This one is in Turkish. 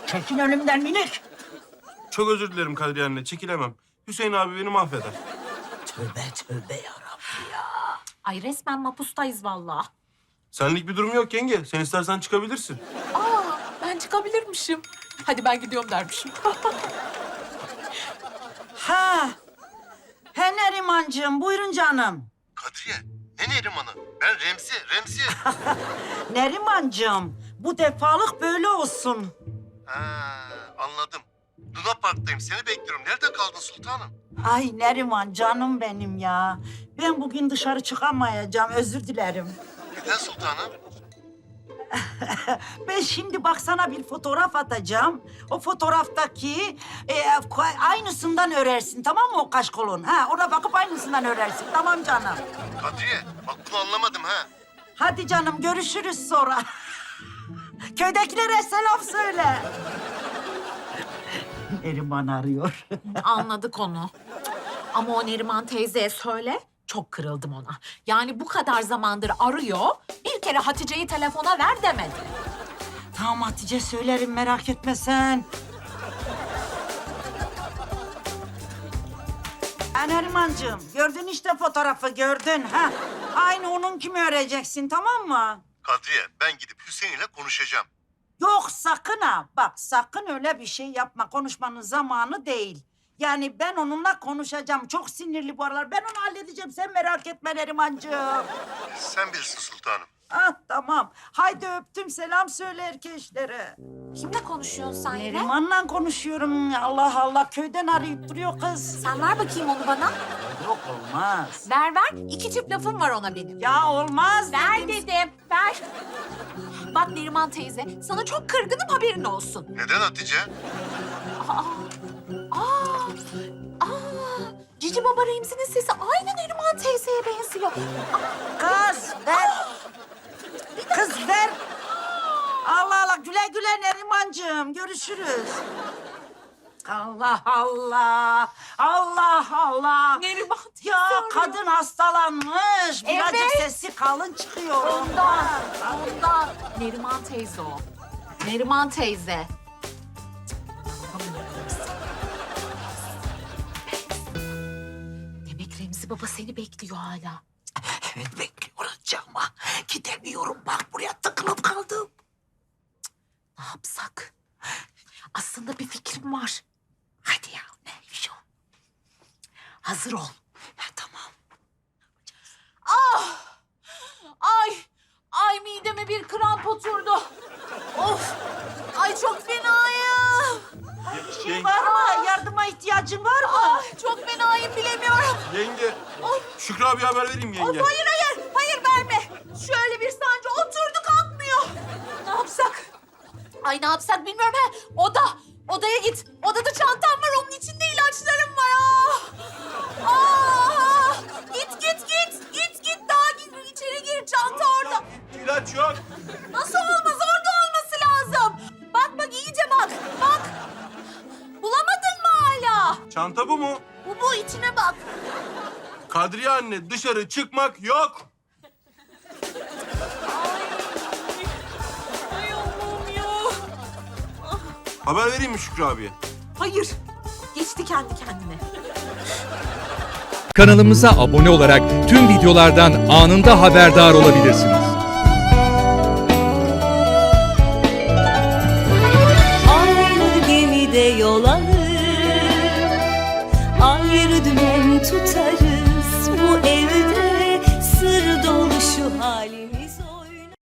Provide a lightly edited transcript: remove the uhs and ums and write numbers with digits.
Çekin önümden minik. Çok özür dilerim Kadriye anne, çekilemem. Hüseyin abi beni mahveder. Tövbe tövbe yarabbim ya. Ay resmen mapustayız vallahi. Senlik bir durum yok yenge. Sen istersen çıkabilirsin. Ben çıkabilirmişim. Hadi ben gidiyorum dermişim. Ha. He Nerimancığım, buyurun canım. Kadriye, ne Neriman'ı? Ben Remzi. Nerimancığım, bu defalık böyle olsun. Ha, anladım. Luna Park'tayım, seni bekliyorum. Nerede kaldın sultanım? Ay Neriman canım benim ya. Ben bugün dışarı çıkamayacağım, özür dilerim. Neden sultanım? Ben şimdi bak sana bir fotoğraf atacağım. O fotoğraftaki aynısından örersin, tamam mı o kaşkolun? Ha, ona bakıp aynısından örersin, tamam canım. Kadriye, bak bunu anlamadım ha. Hadi canım, görüşürüz sonra. Köydekilere selam söyle. Neriman arıyor. Anladık onu. Ama o Neriman teyzeye söyle, çok kırıldım ona. Yani bu kadar zamandır arıyor, bir kere Hatice'yi telefona ver demedi. Tamam Hatice, söylerim, merak etme sen. Nerimancığım, gördün işte fotoğrafı, gördün. Ha? Aynı onun kimi öreceksin, tamam mı? Kadriye, ben gidip Hüseyin ile konuşacağım. Yok sakın ha. Bak sakın öyle bir şey yapma. Konuşmanın zamanı değil. Yani ben onunla konuşacağım. Çok sinirli bu aralar. Ben onu halledeceğim. Sen merak etme Nerimancığım. Sen bilirsin sultanım. Ah tamam. Haydi öptüm. Selam söyle erkeşlere. Kimle konuşuyorsun sen yine? Neriman'la konuşuyorum. Allah Allah. Köyden arayıp duruyor kız. Sen ver bakayım onu bana. Yok olmaz. Ver. İki çift lafım var ona benim. Ya olmaz Ver dedim. dedim, ver. Bak Neriman teyze, sana çok kırgınım haberin olsun. Neden Hatice? Cici Baba Remzi'nin sesi aynı Neriman teyzeye benziyor. Kız ver. Kız ver. Allah Allah. Güle güle Nerimancığım. Görüşürüz. Allah Allah. Allah Allah. Neriman teyze Ya arıyor. kadın hastalanmış. Birazcık Evet. sesi kalın çıkıyor. Ondan. Neriman teyze o. Neriman teyze. Demek Remzi Baba seni bekliyor hala. Evet bekliyorum ama gidemiyorum. Bak buraya tıkılıp kaldım. Ne yapsak? Aslında bir fikrim var. Hadi ya neymiş o? Hazır ol. Ha, tamam. Ay mideme bir kramp oturdu. Of! Ay çok fenayım. Bir şey var mı? Yardıma ihtiyacın var mı? Ay çok fenayım bilemiyorum. Yenge, Of! Şükrü abi haber vereyim yenge. Hayır verme. Şöyle bir sancı oturdu kalkmıyor. Ne yapsak? Ay ne yapsak bilmiyorum ha. Odaya git. Odada çantam var onun içinde ilaçlarım var. Git daha gir içeri gir çanta orada. İlaç yok. Nasıl olmaz orada olması lazım. Bak iyice bak. Bulamadın mı hala? Çanta bu mu? Bu içine bak. Kadriye anne, dışarı çıkmak yok. Ay Allah'ım ya. Haber vereyim mi Şükrü abiye? Hayır. Geçti kendi kendine. Kanalımıza abone olarak tüm videolardan anında haberdar olabilirsiniz. Aynı gemide yol alır, ayrı dümen tutarız bu evde.